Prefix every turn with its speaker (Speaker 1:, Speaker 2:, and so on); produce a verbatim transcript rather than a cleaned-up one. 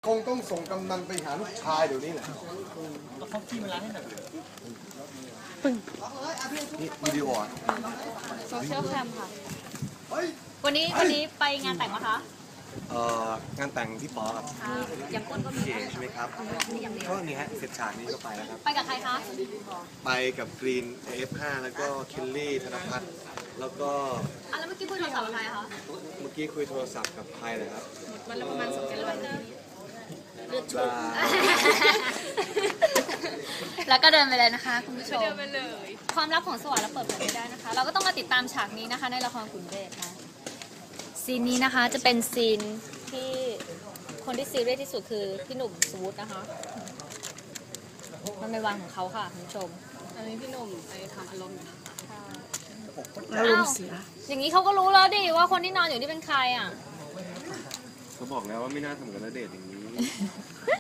Speaker 1: คงต้องส่งกำนันไปหาลูกชายเดี๋ยวนี้แหละ
Speaker 2: แล้วเขาขี้มาล้างให้หน่อย
Speaker 1: นี่วิดีโออ่ะ
Speaker 3: โซเชียลแคมค่ะ วันนี้วันนี้ไปงานแต่งมะคะ
Speaker 1: เอ่องานแต่งพี่ปอครับ
Speaker 3: ค่ะยังก้นก็มี
Speaker 1: พี่เอกใช่ไหมครับก็นี่ฮะเสร็จฉากนี้ก็ไปแล้วครับ
Speaker 3: ไปกับใครคะ
Speaker 1: ไปกับกรีน เอ เอฟ ห้า แล้วก็คิลลี่ธนพัฒน์แล้วก็
Speaker 3: อ่ะแล้วเมื่อกี้คุยโทรศัพท์กับใครคะ
Speaker 1: เมื่อกี้คุยโทรศัพท์กับใครเลยครับ
Speaker 3: วันละประมาณสองกิโลเลือดชุบแล้วก็เดินไปเลยนะคะคุณผู้ชมเดินไปเลยความลับของสวรรค์เราเปิดเผยไม่ได้นะคะ เราก็ต้องมาติดตามฉากนี้นะคะ ในละครขุนเดชนะซีนนี้นะคะจะเป็นซีนที่คนที่ซีเรียสที่สุดคือพี่หนุ่มสวุฒินะคะมันเป็นวันของเขาค่ะคุณผู้ชมอันนี้พี่หนุ่มไปทำอารมณ์อยู่นะคะอารมณ์เสียอย่างนี้เขาก็รู้แล้วดิว่าคนที่นอนอยู่นี่เป็นใครอ่ะ
Speaker 1: เขาบอกแล้วว่าไม่น่าทำกับณเดชน์อย่างนี้